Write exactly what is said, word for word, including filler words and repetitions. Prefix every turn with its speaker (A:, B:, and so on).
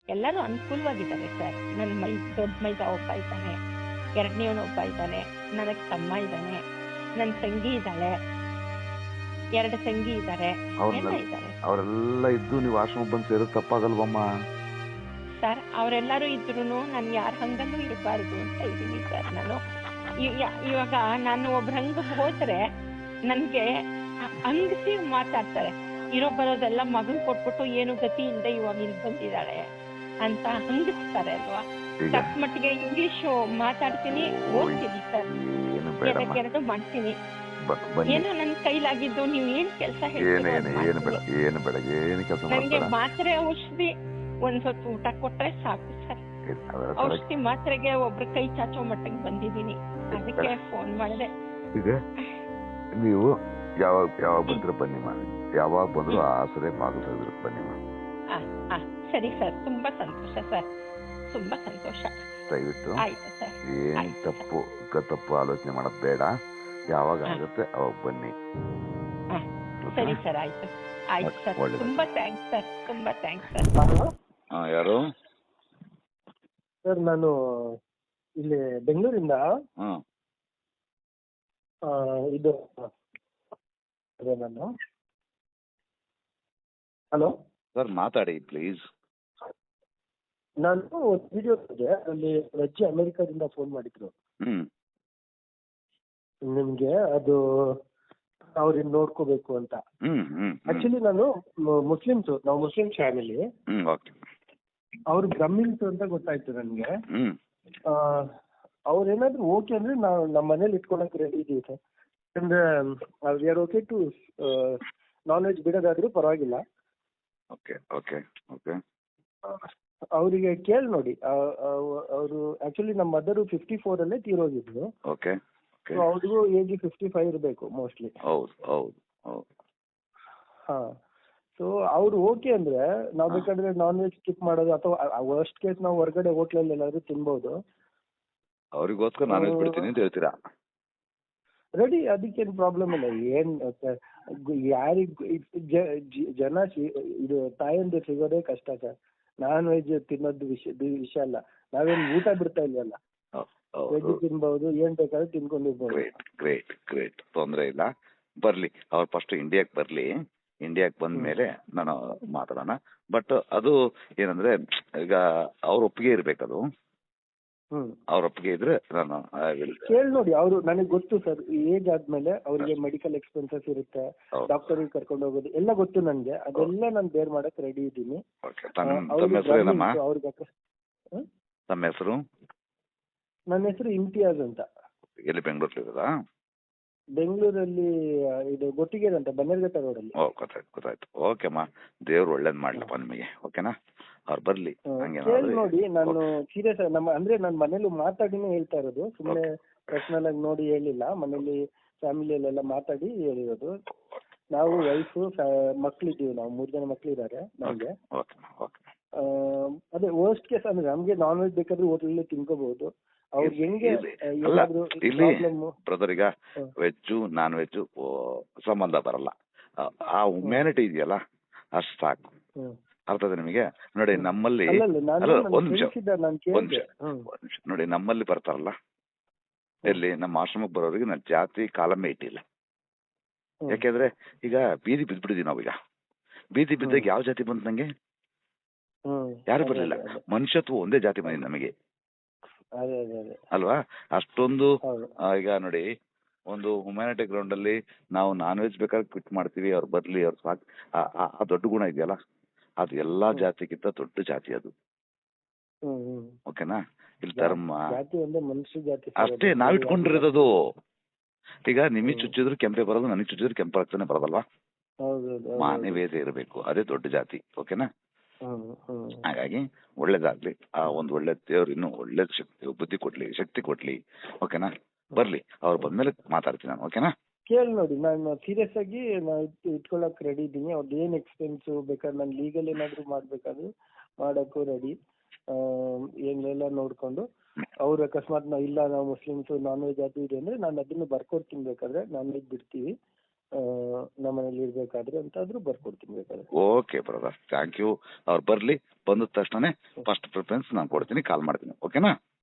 A: ಎಲ್ಲರೂ ಅನುಕೂಲವಾಗಿದ್ದಾರೆ ಸರ್. ನನ್ನ ಮೈ ದೊಡ್ಡ ಮೈದ ಒಬ್ಬ ಇದ್ದಾನೆ, ಎರಡನೇವನು ಒಬ್ಬ ಇದ್ದಾನೆ, ನನಗೆ ತಮ್ಮ ಇದ್ದಾನೆ, ನನ್ನ ತಂಗಿ ಇದ್ದಾಳೆ, ಎರಡು ತಂಗಿ ಇದ್ದಾರೆ, ಎಲ್ಲ ಇದ್ದಾರೆ.
B: ಅವರೆಲ್ಲ ಇದ್ದು ನೀವು ಆಶ್ರಮ ಬಂದು ಸೇರೋದು ತಪ್ಪಾಗಲ್ವಮ್ಮ?
A: ಸರ್ ಅವರೆಲ್ಲರೂ ಇದ್ರು ನಾನು ಯಾರ ಹಂಗಲ್ಲೂ ಇರಬಾರ್ದು ಅಂತ ಇದ್ದೀನಿ ಸರ್. ನಾನು ಇವಾಗ ನಾನು ಒಬ್ರ ಹಂಗಕ್ಕೆ ಹೋದ್ರೆ ನನಗೆ ಹಂಗಸಿ ಮಾತಾಡ್ತಾರೆ. ಇರೋ ಬರೋದೆಲ್ಲ ಮಗಳು ಕೊಟ್ಬಿಟ್ಟು ಏನು ಗತಿ ಇಲ್ಲದೆ ಇವಾಗ ಇಲ್ಲಿ ಬಂದಿದ್ದಾಳೆ ಅಂತ ಹಂಗಿಸ್ತಾರೆ ಅಲ್ವಾ. ತಕ್ಕ ಮಟ್ಟಿಗೆ ಇಂಗ್ಲಿಷು ಮಾತಾಡ್ತೀನಿ, ಓದ್ತೀನಿ ಸರ್, ಎರಡು ಮಾಡ್ತೀನಿ. ಏನೋ ನನ್ನ ಕೈಲಾಗಿದ್ದು ನೀವು ಏನ್ ಕೆಲಸ ನನಗೆ ಮಾತ್ರೆ ಔಷಧಿ ಒಂದ್ ಸ್ವಲ್ಪ ಊಟ ಕೊಟ್ರೆ ಸಾಕು ಸರ್. ಔಷಧಿ ಮಾತ್ರೆಗೆ ಒಬ್ರ ಕೈ ಚಾಚೋ ಮಟ್ಟಿಗೆ ಬಂದಿದ್ದೀನಿ, ಅದಕ್ಕೆ ಫೋನ್ ಮಾಡಿದೆ.
B: ಈಗ ನೀವು ಯಾವಾಗ ಯಾವಾಗ ಬಂದ್ರೆ ಬನ್ನಿ ಮಾಡಿ, ಯಾವಾಗ ಬಂದ್ರು ಆಸರೆ ಮಾಗಲಿದ್ರು ಬನ್ನಿ ಮಾಡಿ.
A: ಸರಿ ಸರ್, ತುಂಬಾ ಸಂತೋಷ ಸರ್, ತುಂಬಾ ಸಂತೋಷ.
B: ದಯವಿಟ್ಟು
A: ಆಯ್ತು ಸರ್,
B: ಏನ್ ತಪ್ಪು ತಪ್ಪು ಆಲೋಚನೆ ಮಾಡೋದು ಬೇಡ. ಯಾವಾಗ ಆಗುತ್ತೆ ಅವಾಗ ಬನ್ನಿ.
A: ಸರಿ ಸರ್, ಆಯ್ತು ಆಯ್ತು ಸರ್, ತುಂಬಾ ಥ್ಯಾಂಕ್ಸ್ ಸರ್, ತುಂಬಾ ಥ್ಯಾಂಕ್ಸ್ ಸರ್.
B: ಯಾರು
C: ಸರ್? ನಾನು ಇಲ್ಲಿ ಬೆಂಗಳೂರಿಂದ ಇದು ನಾನು ಹಲೋ
B: ಸರ್, ಮಾತಾಡಿ ಪ್ಲೀಸ್.
C: ನಾನು ಒಂದು ವಿಡಿಯೋ ಇದೆ, ಅಲ್ಲಿ ಅಜ್ಜಿ ಅಮೆರಿಕಾದಿಂದ ಫೋನ್ ಮಾಡಿದ್ರು ನಿಮ್ಗೆ, ಅದು ಅವ್ರನ್ನ ನೋಡ್ಕೋಬೇಕು ಅಂತ. ಆಕ್ಚುಲಿ ನಾನು ಮುಸ್ಲಿಮ್ಸ್, ನಾವು ಮುಸ್ಲಿಂ ಫ್ಯಾಮಿಲಿ. ಅವ್ರು ಬ್ರಹ್ಮಿನ್ಸ್ ಅಂತ ಗೊತ್ತಾಯ್ತು ನನ್ಗೆ. ಅವ್ರೇನಾದ್ರು ಓಕೆ ಅಂದ್ರೆ ನಾವು ನಮ್ಮ ಮನೇಲಿ ಇಟ್ಕೊಳಕ್ ರೆಡಿ ಇದೀವಿ ಸರ್. ಅಂದ್ರೆ we are okay to non veg ಬಿಡೋದಾದ್ರೂ ಪರವಾಗಿಲ್ಲ. ಅವರಿಗೆ ಕೇಳಿ ನೋಡಿ. ಅವರು ಆಕ್ಚುಲಿ ನಮ್ಮ ಮದರ್ ಫಿಫ್ಟಿ ಫೋರ್ ಅಲ್ಲೇ ತೀರೋಗಿದ್ರು. ಅವ್ರಿಗೂ ಏಜ್ ಫಿಫ್ಟಿ ಫೈವ್ ಇರಬೇಕು ಮೋಸ್ಟ್ಲಿ. ಹಾ, ಸೊ ಅವ್ರು ಓಕೆ ಅಂದ್ರೆ ನಾವ್ ಬೇಕಾದ್ರೆ ನಾನ್ ವೆಜ್ ಸ್ಕಿಪ್ ಮಾಡೋದು, ಅಥವಾ ವರ್ಸ್ಟ್ ಕೇಸ್ ನಾವು ಹೊರಗಡೆ ಹೋಟ್ಲಲ್ಲಿ ಎಲ್ಲಾದ್ರೂ ತಿನ್ಬಹುದು.
B: ಅವ್ರಿಗೋಸ್ಕರ ನಾನ್ ವೆಜ್ ಬಿಡ್ತೀನಿ ಅಂತ ಹೇಳ್ತೀರಾ?
C: ರೆಡಿ, ಅದಕ್ಕೇನು ಪ್ರಾಬ್ಲಮ್ ಇಲ್ಲ. ಏನ್ ಯಾರಿಗ್ ಜನ ಇದು ತಾಯಂದಿರು ಸಿಗೋದೇ ಕಷ್ಟ ಸರ್. ನಾನ್ ವೆಜ್ ತಿನ್ನೋದು ವಿಷಯ ವಿಷಯ ಅಲ್ಲ. ನಾವೇನ್ ಊಟ ಬಿಡ್ತಾ ಇಲ್ವಲ್ಲ, ವೆಜ್ ತಿನ್ಬಹುದು, ಏನ್ ಬೇಕಾದ್ರೂ ತಿನ್ಕೊಂಡಿರ್ಬೋದು.
B: ಗ್ರೇಟ್ ಗ್ರೇಟ್ ಗ್ರೇಟ್ ತೊಂದ್ರೆ ಇಲ್ಲ, ಬರ್ಲಿ. ಅವ್ರು ಫಸ್ಟ್ ಇಂಡಿಯಾಕ್ ಬರ್ಲಿ, ಇಂಡಿಯಾಕ್ ಬಂದ ಮೇಲೆ ನಾನು ಮಾತಾಡೋಣ. ಬಟ್ ಅದು ಏನಂದ್ರೆ ಈಗ ಅವ್ರ ಒಪ್ಪಿಗೆ ಇರ್ಬೇಕದು. ಅವ್ರ ಒಪ್ಪಿಗೆ ಇದ್ರೆ ನಾನು
C: ಕೇಳಿ ನೋಡಿ. ಅವರು ನನಗೆ ಗೊತ್ತು ಸರ್, ಏಜ್ ಆದ್ಮೇಲೆ ಅವ್ರಿಗೆ ಮೆಡಿಕಲ್ ಎಕ್ಸ್ಪೆನ್ಸಸ್ ಇರುತ್ತೆ, ಡಾಕ್ಟರ್ ಕರ್ಕೊಂಡು ಹೋಗೋದು ಎಲ್ಲ ಗೊತ್ತು ನನ್ಗೆ. ಅದೆಲ್ಲ ನಾನು ಬೇರ್ ಮಾಡಕ್ ರೆಡಿ ಇದ್ದೀನಿ.
B: ನಮ್ಮ ಹೆಸರು
C: ನನ್ನ ಹೆಸರು ಇಮ್ತಿಯಾಜ್ ಅಂತ.
B: ಎಲ್ಲಿ ಬೆಂಗಳೂರಲ್ಲಿ?
C: ಬೆಂಗಳೂರಲ್ಲಿ ಇದು ಗೊಟ್ಟಿಗೆರೆ ಅಂತ, ಬನ್ನೇರ್ಘಟ್ಟ ರೋಡಲ್ಲಿ.
B: ಓ, ಗೊತ್ತಾಯ್ತು ಗೊತ್ತಾಯ್ತು. ಓಕೆಮ್ಮ, ದೇವ್ರು ಒಳ್ಳೇದ್ ಮಾಡ್ಲಪ್ಪ ನಿಮಗೆ. ಓಕೆನಾ? ಅವ್ರು ಬರ್ಲಿ.
C: ಕೇಳಿ ನೋಡಿ. ನಾನು ಸೀರಿಯಸ್ ನಮ್ಮ ಅಂದ್ರೆ ನನ್ನ ಮನೇಲಿ ಮಾತಾಡಿನೇ ಹೇಳ್ತಾ ಇರೋದು, ಸುಮ್ಮನೆ ಪರ್ಸನಲ್ ಆಗಿ ನೋಡಿ ಹೇಳಿಲ್ಲ. ಮನೇಲಿ ಫ್ಯಾಮಿಲಿಯಲ್ಲೆಲ್ಲ ಮಾತಾಡಿ ಹೇಳಿರೋದು. ನಾವು ವೈಫು ಮಕ್ಳಿದ್ದೀವಿ, ನಾವು ಮೂರ್ ಜನ ಮಕ್ಳಿದ್ದಾರೆ ನಮ್ಗೆ. ಅದೇ ವರ್ಸ್ಟ್ ಕೇಸ್ ಅಂದ್ರೆ ನಮ್ಗೆ ನಾನ್ ವೆಜ್ ಬೇಕಾದ್ರೆ ಹೋಟೆಲ್ ತಿನ್ಕೋಬಹುದು. ಅವ್ರಿಗೆ ಹೆಂಗೆ
B: ಬ್ರದರ್, ಈಗ ವೆಜ್ಜು ನಾನ್ ವೆಜ್ಜು ಸಂಬಂಧ ಬರಲ್ಲ. ಆ ಹ್ಯುಮ್ಯಾನಿಟಿ ಇದೆಯಲ್ಲ ಅಷ್ಟು ಸಾಕು. ಅರ್ಥ ಇದೆ ನಿಮಗೆ? ನೋಡಿ ನಮ್ಮಲ್ಲಿ ಒಂದ್ ನಿಮಿಷ ಒಂದ್ ನಿಮಿಷ ನೋಡಿ, ನಮ್ಮಲ್ಲಿ ಬರ್ತಾರಲ್ಲ, ಎಲ್ಲಿ ನಮ್ಮ ಆಶ್ರಮಕ್ಕೆ ಬರೋರಿಗೆ ನಾನು ಜಾತಿ ಕಾಲಮೇ ಇಟ್ಟಿಲ್ಲ. ಯಾಕೆಂದ್ರೆ ಈಗ ಬೀದಿ ಬಿದ್ದ್ಬಿಟ್ಟಿದೀವಿ ನಾವೀಗ. ಬೀದಿ ಬಿದ್ದಾಗ ಯಾವ ಜಾತಿ ಬಂತು ನಂಗೆ? ಯಾರು ಬರ್ಲಿಲ್ಲ. ಮನುಷ್ಯತ್ವ ಒಂದೇ ಜಾತಿ ಬಂದಿದೆ ನಮಗೆ ಅಲ್ವಾ? ಅಷ್ಟೊಂದು ಈಗ ನೋಡಿ, ಒಂದು ಹ್ಯುಮ್ಯಾನಿಟಿ ಗ್ರೌಂಡ್ ಅಲ್ಲಿ ನಾವು ನಾನ್ ವೆಜ್ ಬೇಕಾದ್ರೆ ಕ್ವಿಟ್ ಮಾಡ್ತೀವಿ, ಅವ್ರು ಬರ್ಲಿ, ಅವ್ರು ಸಾಕು. ಆ ದೊಡ್ಡ ಗುಣ ಇದೆಯಲ್ಲ, ಅದು ಎಲ್ಲಾ ಜಾತಿಗಿಂತ ದೊಡ್ಡ ಜಾತಿ ಅದು. ಓಕೆನಾ? ಇಲ್ಲಿ ಧರ್ಮ ಅಷ್ಟೇ ನಾವ್ ಇಟ್ಕೊಂಡಿರೋದು. ಈಗ ನಿಮಗೆ ಚುಚ್ಚಿದ್ರು ಕೆಂಪೆ ಬರೋದು, ನನಗೆ ಚುಚ್ಚಿದ್ರು ಕೆಂಪೆ ರಕ್ತನೇ ಬರೋದಲ್ವಾ? ಮಾನವೀಯತೆ ಇರಬೇಕು, ಅದೇ ದೊಡ್ಡ ಜಾತಿ. ಓಕೆನಾ? ಹಾಗಾಗಿ ಒಳ್ಳೇದಾಗ್ಲಿ. ಆ ಒಂದ್ ಒಳ್ಳೆ ದೇವ್ರು ಇನ್ನೂ ಒಳ್ಳೆ ಶಕ್ತಿ ಬುದ್ಧಿ ಕೊಡ್ಲಿ, ಶಕ್ತಿ ಕೊಡ್ಲಿ. ಓಕೆನಾ? ಬರ್ಲಿ, ಅವ್ರು ಬಂದ್ಮೇಲೆ ಮಾತಾಡ್ತೀನಿ ನಾನು. ಓಕೆನಾ?
C: ಕೇಳಿ ನೋಡಿ. ನಾನು ಸೀರಿಯಸ್ ಆಗಿ ಇಟ್ಕೊಳಕ್ ರೆಡಿ ಇದ್ದೀನಿ. ಅವ್ರದ್ದು ಏನ್ ಎಕ್ಸ್ಪೆನ್ಸ್ ಬೇಕಾದ್ರೆ ನಾನು ಲೀಗಲ್ ಏನಾದ್ರು ಮಾಡ್ಬೇಕಾದ್ರು ಮಾಡಕ್ಕೂ ರೆಡಿ. ಏನೆಲ್ಲ ನೋಡ್ಕೊಂಡು ಅವ್ರು ಅಕಸ್ಮಾತ್ ನಾವು ಇಲ್ಲ ನಾವು ಮುಸ್ಲಿಮ್ಸ್ ನಾನ್ ವೆಜ್ ಅದು ಇದೆ ಅಂದ್ರೆ ನಾನು ಅದನ್ನು ಬರ್ಕೊಡ್ತೀನಿ. ಬೇಕಾದ್ರೆ ನಾನ್ ವೆಜ್ ಬಿಡ್ತೀವಿ. ನಮ್ಮನೇಲಿ ಇರ್ಬೇಕಾದ್ರೆ ಅಂತಾದ್ರೂ ಬರ್ಕೊಡ್ತೀನಿ ಬೇಕಾದ್ರೆ.
B: Okay brother, thank you. ಅವ್ರು ಬರ್ಲಿ, ಬಂದ ತಕ್ಷಣ ಫಸ್ಟ್ ಪ್ರಿಫರೆನ್ಸ್ ನಾನು ಕೊಡ್ತೀನಿ, ಕಾಲ್ ಮಾಡ್ತೀನಿ. ಓಕೆನಾ?